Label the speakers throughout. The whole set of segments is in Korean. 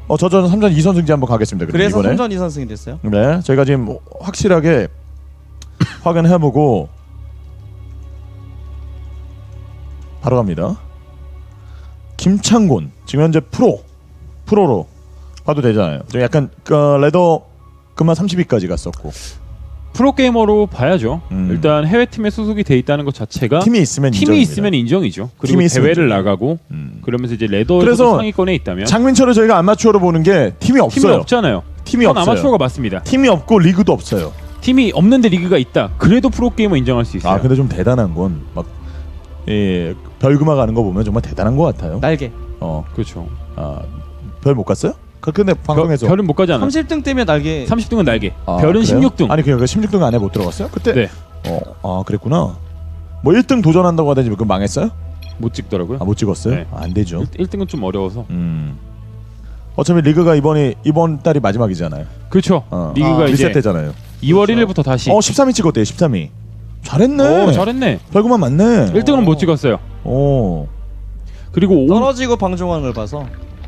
Speaker 1: 저는 3전 2선승제 한번 가겠습니다.
Speaker 2: 그래서
Speaker 1: 이번에.
Speaker 2: 3전 2선승이 됐어요?
Speaker 1: 네, 저희가 지금 확실하게 확인해보고 바로 갑니다. 김창곤 지금 현재 프로로 봐도 되잖아요. 좀 약간 레더 그만 30위까지 갔었고
Speaker 3: 프로게이머로 봐야죠. 일단 해외팀에 소속이 돼 있다는 것 자체가
Speaker 1: 팀이 있으면
Speaker 3: 인정이죠. 그리고
Speaker 1: 팀이 있으면
Speaker 3: 대회를
Speaker 1: 인정이에요.
Speaker 3: 나가고 그러면서 이제 레더에서
Speaker 1: 그래서
Speaker 3: 상위권에 있다면
Speaker 1: 장민철을 저희가 아마추어로 보는 게 팀이 없어요.
Speaker 3: 팀이 없잖아요.
Speaker 1: 팀이
Speaker 3: 그건
Speaker 1: 없어요.
Speaker 3: 아마추어가 맞습니다.
Speaker 1: 팀이 없고 리그도 없어요.
Speaker 3: 팀이 없는데 리그가 있다. 그래도 프로게이머 인정할 수 있어요.
Speaker 1: 근데 좀 대단한 건 막 별그마 가는 거 보면 정말 대단한 것 같아요.
Speaker 2: 날개.
Speaker 3: 그렇죠.
Speaker 1: 별 못 갔어요? 근데 방송에서
Speaker 3: 별은 못 가지 않아.
Speaker 2: 30등 때문에 날개.
Speaker 3: 30등은 날개.
Speaker 1: 그래요?
Speaker 3: 별은 16등.
Speaker 1: 아니 그러니까 16등 안에 못 들어갔어요? 그때?
Speaker 3: 네.
Speaker 1: 그랬구나. 뭐 1등 도전한다고 하더니 그거 망했어요?
Speaker 3: 못 찍더라고요.
Speaker 1: 못 찍었어요?
Speaker 3: 네.
Speaker 1: 안 되죠.
Speaker 3: 1등은 좀 어려워서.
Speaker 1: 어차피 리그가 이번 달이 마지막이잖아요.
Speaker 3: 그렇죠. 리그가 이제
Speaker 1: 리셋되잖아요.
Speaker 3: 2월 1일부터 다시.
Speaker 1: 13위 찍었대요. 13위. 잘했네.
Speaker 3: 잘했네.
Speaker 1: 별그마 맞네.
Speaker 3: 1등은 못 찍었어요. 그리고
Speaker 2: 떨어지고 방종하는 걸 봐서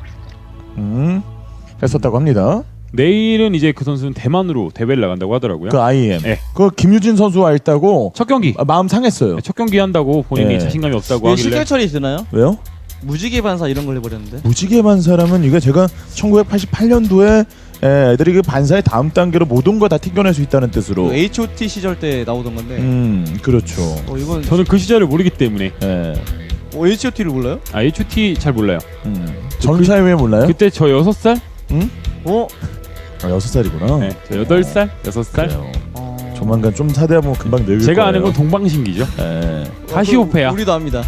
Speaker 1: 했었다고 합니다.
Speaker 3: 내일은 이제 그 선수는 대만으로 대회를 나간다고 하더라고요.
Speaker 1: 그 IM.
Speaker 3: 네.
Speaker 1: 그 김유진 선수와 했다고
Speaker 3: 첫 경기.
Speaker 1: 마음 상했어요.
Speaker 3: 첫 경기 한다고 본인이
Speaker 1: 네.
Speaker 3: 자신감이 없다고
Speaker 2: 왜
Speaker 3: 하길래.
Speaker 2: 실격 처리 되나요?
Speaker 1: 왜요?
Speaker 2: 무지개 반사 이런 걸 해버렸는데.
Speaker 1: 무지개반 사람은 이게 제가 1988년도에 애들이 그 반사의 다음 단계로 모든 거 다 튕겨낼 수 있다는 뜻으로.
Speaker 2: 그 H.O.T 시절 때 나오던 건데.
Speaker 1: 그렇죠.
Speaker 2: 이건
Speaker 3: 저는 그 시절을 모르기 때문에.
Speaker 2: H.O.T를 몰라요?
Speaker 3: H.O.T 잘 몰라요.
Speaker 1: 전사의 왜 몰라요?
Speaker 3: 그때 저 6살?
Speaker 1: 응? 6살이구나.
Speaker 3: 네, 저 8살? 6살?
Speaker 1: 그래요. 조만간 좀 사대하면 금방 늙을
Speaker 3: 제가
Speaker 1: 거예요.
Speaker 3: 아는 건 동방신기죠. 카시오페아.
Speaker 2: 우리도 압니다.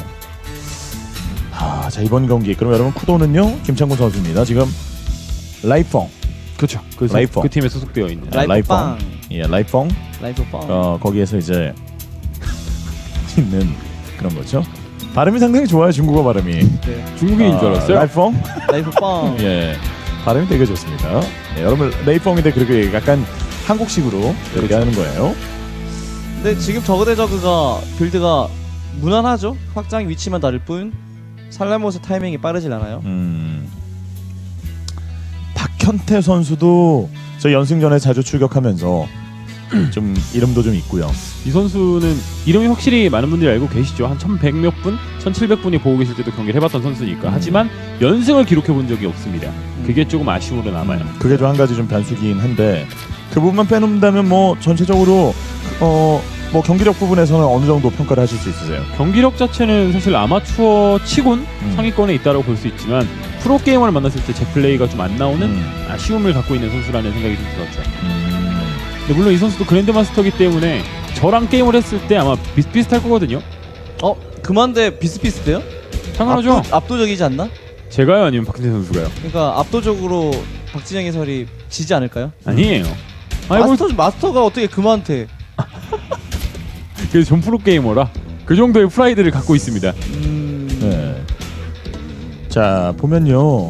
Speaker 1: 자 이번 경기 그럼 여러분 쿠도는요 김창곤 선수입니다. 지금 라이펑.
Speaker 3: 그렇죠.
Speaker 1: 라이펑.
Speaker 3: 그 팀에 소속되어 있는.
Speaker 2: 라이펑.
Speaker 1: 라이펑.
Speaker 2: 라이펑.
Speaker 1: 거기에서 이제 있는 그런 거죠. 발음이 상당히 좋아요. 중국어 발음이.
Speaker 2: 네.
Speaker 3: 중국인인 줄 알았어요.
Speaker 1: 라이펑.
Speaker 2: 라이펑.
Speaker 1: 예. 발음이 되게 좋습니다. 여러분 레이펑인데 그렇게 약간 한국식으로 이렇게 하는 거예요.
Speaker 2: 근데 지금 저그 대 저그가 빌드가 무난하죠. 확장 위치만 다를 뿐 살라모스 타이밍이 빠르질 않아요.
Speaker 1: 박현태 선수도 저 연승전에 자주 출격하면서 좀 이름도 좀 있고요.
Speaker 3: 이 선수는 이름이 확실히 많은 분들이 알고 계시죠. 한 1100몇 분, 1700분이 보고 계실 때도 경기를 해봤던 선수니까. 하지만 연승을 기록해 본 적이 없습니다. 그게 조금 아쉬움으로 남아요.
Speaker 1: 그게 좀 한 가지 좀 변수긴 한데 그 부분만 빼놓는다면 뭐 전체적으로 뭐 경기력 부분에서는 어느 정도 평가를 하실 수 있으세요?
Speaker 3: 경기력 자체는 사실 아마추어 치곤 상위권에 있다고 볼 수 있지만 프로게이머를 만났을 때 제 플레이가 좀 안 나오는 아쉬움을 갖고 있는 선수라는 생각이 좀 들었죠. 근데 물론 이 선수도 그랜드마스터이기 때문에 저랑 게임을 했을 때 아마 비슷비슷할 거거든요.
Speaker 2: 그만데 비슷비슷해요?
Speaker 3: 당연하죠.
Speaker 2: 압도적이지 않나?
Speaker 3: 제가요 아니면 박진태 선수가요?
Speaker 2: 그러니까 압도적으로 박진영 해설이 지지 않을까요?
Speaker 3: 아니에요.
Speaker 2: 마스터가 어떻게 그만한테?
Speaker 3: 그래서 전 프로게이머라 그 정도의 프라이드를 갖고 있습니다.
Speaker 1: 네. 자 보면요.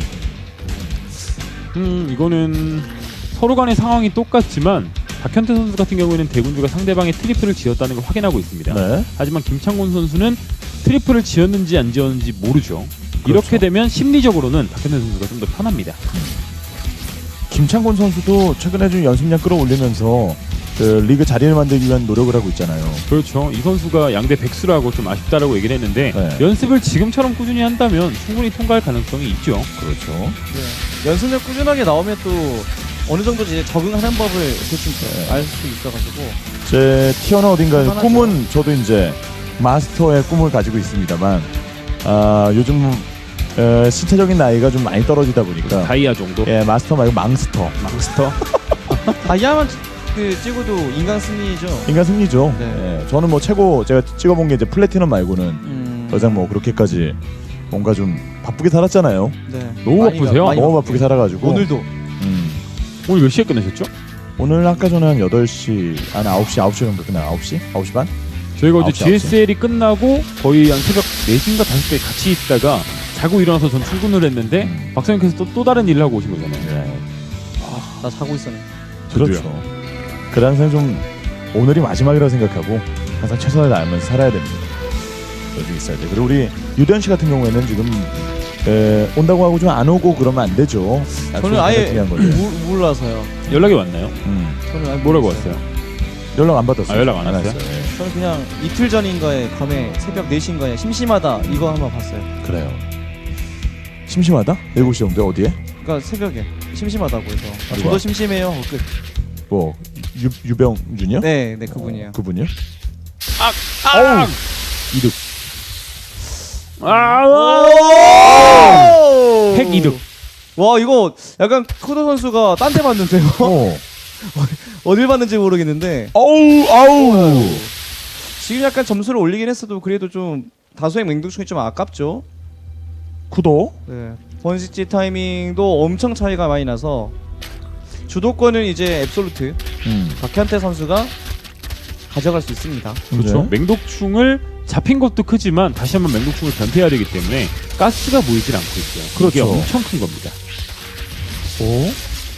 Speaker 3: 이거는 서로 간의 상황이 똑같지만 박현태 선수 같은 경우에는 대군주가 상대방의 트리플을 지었다는 걸 확인하고 있습니다.
Speaker 1: 네.
Speaker 3: 하지만 김창곤 선수는 트리플을 지었는지 안 지었는지 모르죠.
Speaker 1: 그렇죠.
Speaker 3: 이렇게 되면 심리적으로는 박현태 선수가 좀 더 편합니다.
Speaker 1: 김창곤 선수도 최근에 좀 연습량 끌어올리면서 그 리그 자리를 만들기 위한 노력을 하고 있잖아요.
Speaker 3: 그렇죠. 이 선수가 양대 백수라고 좀 아쉽다라고 얘기를 했는데
Speaker 1: 네.
Speaker 3: 연습을 지금처럼 꾸준히 한다면 충분히 통과할 가능성이 있죠.
Speaker 1: 그렇죠.
Speaker 2: 네. 연습력 꾸준하게 나오면 또 어느 정도 이제 적응하는 법을 대충 알 수 있어가지고.
Speaker 1: 제 티어나 어딘가에
Speaker 2: 편하죠.
Speaker 1: 꿈은 저도 이제 마스터의 꿈을 가지고 있습니다만 요즘 신체적인 나이가 좀 많이 떨어지다 보니까
Speaker 3: 다이아 정도.
Speaker 1: 마스터 말고 망스터.
Speaker 2: 다이아만 찍어도 인간 승리죠.
Speaker 1: 인간 승리죠.
Speaker 2: 네.
Speaker 1: 저는 뭐 최고 제가 찍어본 게 이제 플래티넘 말고는 더 이상 뭐 그렇게까지 뭔가 좀 바쁘게 살았잖아요.
Speaker 2: 네.
Speaker 3: 너무 바쁘세요?
Speaker 1: 너무 바쁘게 살아가지고
Speaker 2: 오늘도
Speaker 3: 오늘 몇 시에 끝나셨죠?
Speaker 1: 오늘 아까 전에 한 8시 아니 9시 정도 끝나 9시? 9시 반?
Speaker 3: 저희가 어제
Speaker 1: 9시.
Speaker 3: GSL이 끝나고 거의 한 새벽 4시인가 5시까지 같이 있다가 자고 일어나서 전 출근을 했는데 박사님께서 또 다른 일을 하고 오신 거잖아요.
Speaker 1: 네.
Speaker 2: 나 자고 있었네.
Speaker 1: 그렇죠. 그래 항상 좀 오늘이 마지막이라고 생각하고 항상 최선을 다하면서 살아야 됩니다. 여기 있어야 돼. 그리고 우리 유대현 씨 같은 경우에는 지금 온다고 하고 좀 안 오고 그러면 안 되죠.
Speaker 2: 저는 아예
Speaker 1: 중요한 거죠.
Speaker 2: 몰라서요.
Speaker 3: 연락이 왔나요?
Speaker 2: 저는 아예
Speaker 3: 뭐라고
Speaker 2: 몰랐어요.
Speaker 3: 왔어요?
Speaker 1: 연락 안 받았어요.
Speaker 3: 연락 안 왔어요?
Speaker 1: 왔어요. 예.
Speaker 2: 저는 그냥 이틀 전인가에 밤에 새벽 4시인가에 심심하다 이거 한번 봤어요.
Speaker 1: 그래요. 심심하다? 7시 정도 어디에?
Speaker 2: 그러니까 새벽에 심심하다고 해서
Speaker 1: 누가?
Speaker 2: 저도 심심해요. 끝.
Speaker 1: 뭐 유병준이요?
Speaker 2: 네, 그분이에요.
Speaker 1: 그분이요?
Speaker 3: 아!
Speaker 1: 이득.
Speaker 3: 핵 이득.
Speaker 2: 와 이거 약간 쿠도 선수가 딴 데 봤는데요. 어딜 봤는지 모르겠는데
Speaker 1: 아우.
Speaker 2: 지금 약간 점수를 올리긴 했어도 그래도 좀 다수의 맹독충이 좀 아깝죠.
Speaker 1: 쿠도.
Speaker 2: 네. 번식지 타이밍도 엄청 차이가 많이 나서 주도권은 이제 앱솔루트 박현태 선수가 가져갈 수 있습니다.
Speaker 3: 그렇죠.
Speaker 1: 네.
Speaker 3: 맹독충을 잡힌 것도 크지만 다시 한번 맹독충을 변태해야 되기 때문에 가스가 보이질 않고 있어요. 그게
Speaker 1: 그렇죠.
Speaker 3: 엄청 큰 겁니다.
Speaker 1: 오.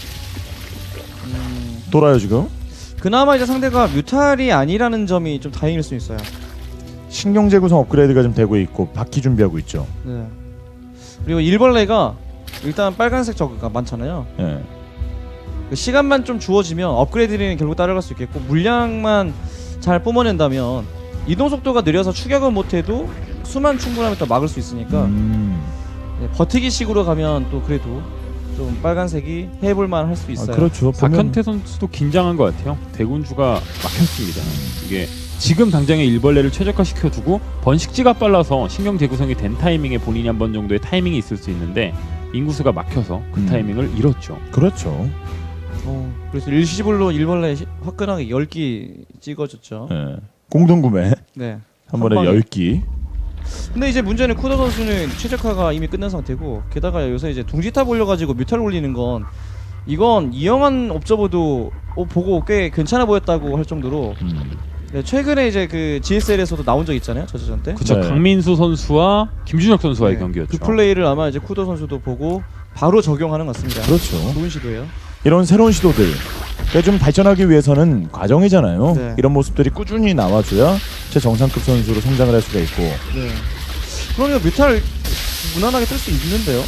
Speaker 1: 돌아요 지금.
Speaker 2: 그나마 이제 상대가 뮤탈이 아니라는 점이 좀 다행일 수 있어요.
Speaker 1: 신경제 구성 업그레이드가 좀 되고 있고 바퀴 준비하고 있죠.
Speaker 2: 네. 그리고 일벌레가 일단 빨간색 저그가 많잖아요.
Speaker 1: 예.
Speaker 2: 그 시간만 좀 주어지면 업그레이드는 결국 따라갈 수 있겠고 물량만 잘 뿜어낸다면 이동 속도가 느려서 추격은 못해도 수만 충분하면 또 막을 수 있으니까 네, 버티기식으로 가면 또 그래도 좀 빨간색이 해볼만 할 수 있어요.
Speaker 1: 그렇죠.
Speaker 3: 박현태 선수도 긴장한 것 같아요. 대군주가 막혔습니다. 이게 지금 당장에 일벌레를 최적화시켜두고 번식지가 빨라서 신경 재구성이 된 타이밍에 본인이 한 번 정도의 타이밍이 있을 수 있는데 인구수가 막혀서 그 타이밍을 잃었죠.
Speaker 1: 그렇죠.
Speaker 2: 그래서 일시불로 일벌레 화끈하게 10기 찍어줬죠.
Speaker 1: 예. 공동구매
Speaker 2: 네.
Speaker 1: 한 번에
Speaker 2: 방에.
Speaker 1: 10기.
Speaker 2: 근데 이제 문제는 쿠더 선수는 최적화가 이미 끝난 상태고 게다가 요새 이제 둥지탑 올려가지고 뮤탈 올리는 건 이건 이영환 옵저버도 보고 꽤 괜찮아 보였다고 할 정도로 네, 최근에 이제 그 GSL에서도 나온 적 있잖아요. 저저전 때.
Speaker 3: 그렇죠.
Speaker 1: 네.
Speaker 3: 강민수 선수와 김준혁 선수와의
Speaker 2: 네,
Speaker 3: 경기였죠.
Speaker 2: 그 플레이를 아마 이제 쿠더 선수도 보고 바로 적용하는 것 같습니다.
Speaker 1: 그렇죠.
Speaker 2: 좋은 시도예요.
Speaker 1: 이런 새로운 시도들 좀 발전하기 위해서는 과정이잖아요.
Speaker 2: 네.
Speaker 1: 이런 모습들이 꾸준히 나와줘야 최정상급 선수로 성장을 할 수가 있고.
Speaker 2: 네. 그러니까 뮤탈 무난하게 뜰 수 있는데요.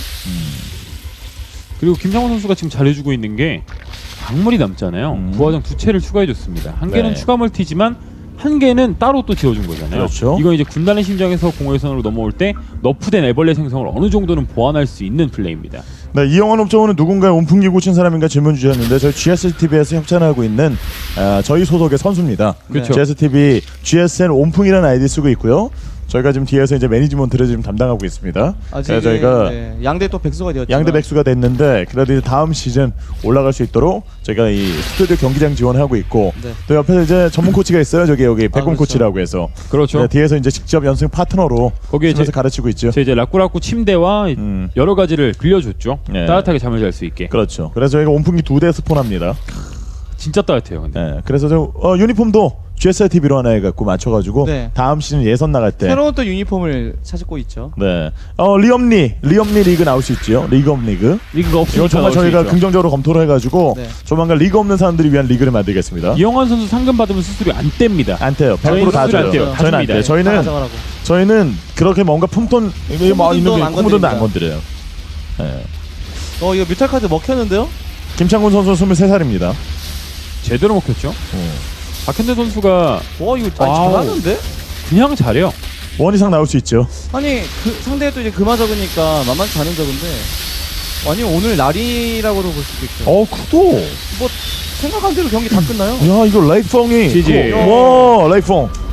Speaker 3: 그리고 김상훈 선수가 지금 잘해주고 있는 게 광물이 남잖아요. 부화장 2채를 추가해줬습니다. 한 개는
Speaker 1: 네.
Speaker 3: 추가 멀티지만 한 개는 따로 또 지어준 거잖아요.
Speaker 1: 그렇죠.
Speaker 3: 이건 이제 군단의 심장에서 공허의선으로 넘어올 때 너프된 애벌레 생성을 어느 정도는 보완할 수 있는 플레이입니다.
Speaker 1: 네, 이영환 옵저버는 누군가의 온풍기 고친 사람인가 질문 주셨는데 저희 GSTV에서 협찬하고 있는 저희 소속의 선수입니다.
Speaker 2: 그렇죠.
Speaker 1: GSTV GSN 온풍이라는 아이디 쓰고 있고요. 저희가 지금 뒤에서 이제 매니지먼트를 지금 담당하고 있습니다.
Speaker 2: 아직
Speaker 1: 그래서 저희가
Speaker 2: 네, 양대 또 백수가 되었지만
Speaker 1: 양대 백수가 됐는데 그래도 이제 다음 시즌 올라갈 수 있도록 저희가 이 스튜디오 경기장 지원하고 있고
Speaker 2: 네.
Speaker 1: 또 옆에 이제 전문 코치가 있어요. 여기 백곰
Speaker 2: 그렇죠.
Speaker 1: 코치라고 해서
Speaker 3: 그렇죠.
Speaker 1: 네, 뒤에서 이제 직접 연승 파트너로
Speaker 3: 거기에
Speaker 1: 집에서 가르치고 있죠.
Speaker 3: 제 이제 라꾸라꾸 침대와 여러 가지를 빌려줬죠.
Speaker 1: 네.
Speaker 3: 따뜻하게 잠을 잘 수 있게.
Speaker 1: 그렇죠. 그래서 저희가 온풍기 2대 스폰합니다.
Speaker 3: 진짜 따뜻해요. 근데.
Speaker 1: 네, 그래서 저 유니폼도 GSI TV로 하나 해갖고 맞춰가지고
Speaker 2: 네.
Speaker 1: 다음 시즌 예선 나갈 때
Speaker 2: 새로운 또 유니폼을 찾고 있죠.
Speaker 1: 네, 리엄리 리그 나올 수 있죠. 리그 업 리그.
Speaker 3: 리그가 없으니까
Speaker 1: 이거 정말
Speaker 3: 나올 수
Speaker 1: 저희가
Speaker 3: 있죠.
Speaker 1: 긍정적으로 검토를 해가지고
Speaker 2: 네.
Speaker 1: 조만간 리그 없는 사람들을 위한 리그를 만들겠습니다.
Speaker 3: 이영환 선수 상금 받으면 수수료 안 뗍니다.
Speaker 1: 안 떼요. 100%
Speaker 3: 저희는
Speaker 1: 다
Speaker 3: 수수료 안
Speaker 1: 줘요.
Speaker 3: 떼요. 다
Speaker 1: 저희는 안
Speaker 3: 줍니다.
Speaker 1: 떼요.
Speaker 2: 다 가져가라고.
Speaker 1: 저희는 그렇게 뭔가 품돈 있는
Speaker 2: 안
Speaker 1: 코묻은도 안
Speaker 2: 건드립니다.
Speaker 1: 건드려요. 네.
Speaker 2: 이거 뮤탈 카드 먹혔는데요?
Speaker 1: 김창곤 선수 23살입니다.
Speaker 3: 제대로 먹혔죠. 박현대 선수가
Speaker 2: 와 이거
Speaker 3: 와우.
Speaker 2: 잘하는데?
Speaker 3: 그냥 잘해요.
Speaker 1: 원 이상 나올 수 있죠.
Speaker 2: 아니 그 상대도 이제 그마 적으니까 만만치 않은 적인데 아니면 오늘 날이라고도 볼 수도 있죠.
Speaker 1: 쿠도.
Speaker 2: 뭐 생각한 대로 경기 다 끝나요.
Speaker 1: 야 이거 레이펑이.
Speaker 3: 지지.
Speaker 1: 와 레이펑.